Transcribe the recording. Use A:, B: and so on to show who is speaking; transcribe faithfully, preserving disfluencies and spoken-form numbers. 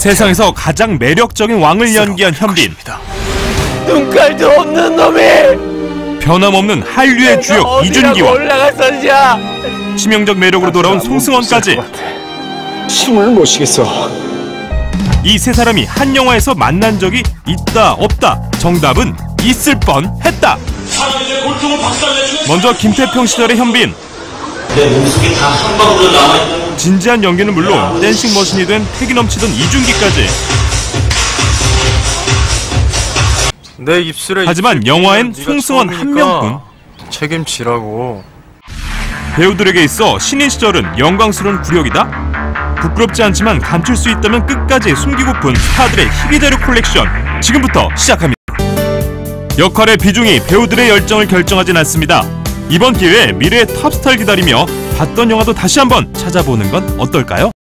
A: 세상에서 가장 매력적인 왕을 연기한 현빈.
B: 눈깔도 없는 놈이
A: 변함없는 한류의 주역 이준기와
B: 올라갔었냐?
A: 치명적 매력으로 돌아온 송승헌까지
C: 숨을 못 쉬겠어.
A: 이 세 사람이 한 영화에서 만난 적이 있다 없다? 정답은 있을 뻔했다. 먼저 김태평 시절의 현빈.
D: 내 몸속에 다 한 방울로 남아있는
A: 진지한 연기는 물론 댄싱 머신이 된 패기 넘치던 이준기까지.
E: 내 입술에
A: 하지만 영화엔 송승헌 한 명뿐.
E: 책임지라고.
A: 배우들에게 있어 신인 시절은 영광스러운 구력이다? 부끄럽지 않지만 감출 수 있다면 끝까지 숨기고픈 스타들의 희귀자료 콜렉션, 지금부터 시작합니다. 역할의 비중이 배우들의 열정을 결정하진 않습니다. 이번 기회에 미래의 탑스타를 기다리며 봤던 영화도 다시 한번 찾아보는 건 어떨까요?